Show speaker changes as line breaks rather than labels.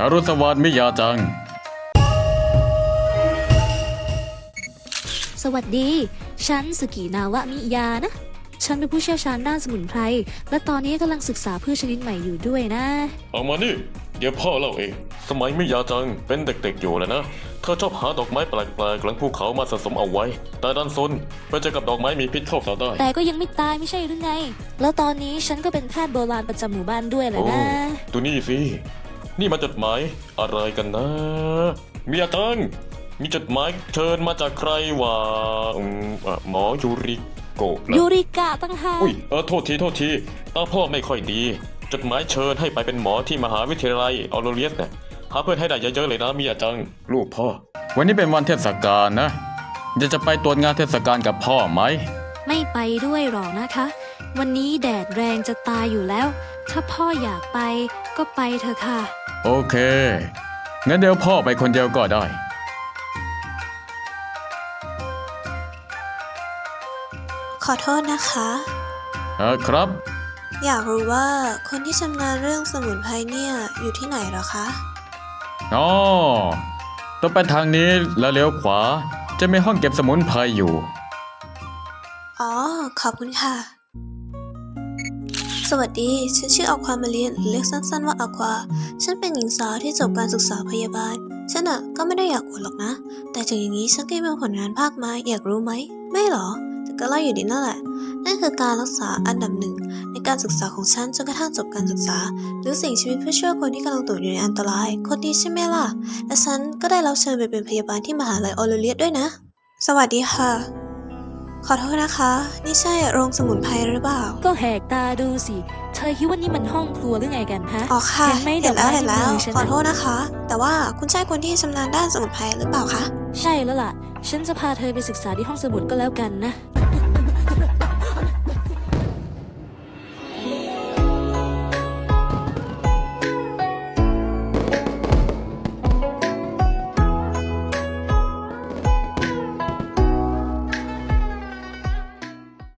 อรุณสวัสดิ์มิยาจัง
สวัสดีฉันสุกินาวะมิยานะฉันเป็นผู้เชี่ยวชาญด้านสมุนไพรและตอนนี้กำลังศึกษาพืชชนิดใหม่อยู่ด้วยนะ
เอามานี่เดี๋ยวพ่อเล่าเองสมัยมิยาจังเป็นเด็กๆอยู่แล้วนะเธอชอบหาดอกไม้แปลกๆหลังภูเขามาสะสมเอาไว้แต่ดันซนไปเจอกับดอกไม้มีพิษเข้าซะได้
แต่ก็ยังไม่ตายไม่ใช่หรือไงแล้วตอนนี้ฉันก็เป็นแพทย์โบราณประจำหมู่บ้านด้วยแหละนะ
ดูนี่สินี่มันจดหมายอะไรกันนะมิยาจังมีจดหมายเชิญมาจากใครวะหมอยูริโกะ
ยูริกะตั้งหาก
โทษทีตาพ่อไม่ค่อยดีจดหมายเชิญให้ไปเป็นหมอที่มหาวิทยาลัยออโรเลียสเนี่ยหาเพื่อนให้ได้เยอะๆเลยนะมิยาจังลูกพ่อ
วันนี้เป็นวันเทศกาลนะจะไปตรวจงานเทศกาลกับพ่อไหม
ไม่ไปด้วยหรอกนะคะวันนี้แดดแรงจะตายอยู่แล้วถ้าพ่ออยากไปก็ไปเถอะค่ะ
โอเคงั้นเดี๋ยวพ่อไปคนเดียวก็ได้
ขอโทษนะคะ
ครับ
อยากรู้ว่าคนที่ชำนาญเรื่องสมุนไพรเนี่ยอยู่ที่ไหนหรอคะ
อ๋อต้องไปทางนี้แล้วเลี้ยวขวาจะมีห้องเก็บสมุนไพรอยู่
อ๋อขอบคุณค่ะสวัสดีฉันชื่ออความาเรียนเรียกสั้นๆว่าอควาฉันเป็นหญิงสาวที่จบการศึกษาพยาบาลฉันก็ไม่ได้อยากอวดหรอกนะแต่ถึงอย่างนี้ฉันก็มีผลงานภาคมาอยากรู้ไหมไม่หรอแต่ก็เล่าอยู่ดีนั่นแหละนั่นคือการรักษาอันดับหนึ่งในการศึกษาของฉันจนกระทั่งจบการศึกษาหรือสิ่งชีวิตเพื่อช่วยคนที่กำลังตกอยู่ในอันตรายคนดีใช่ไหมล่ะและฉันก็ได้รับเชิญไปเป็นพยาบาลที่มหาลัยออโรเลียสด้วยนะสวัสดีค่ะขอโทษนะคะนี่ใช่โรงสมุนไพรหรือเปล่า
ก็แหกตาดูสิเธอคิดว่านี่มันห้องครัวหรือไงกันฮะ
อ๋อค่ะ
เห็นไหมเห็น
แล้วขอโทษนะคะแต่ว่าคุณใช่คนที่ชำนาญด้านสมุนไพรหรือเปล่าคะ
ใช่แล้วล่ะฉันจะพาเธอไปศึกษาที่ห้องสมุดก็แล้วกันนะ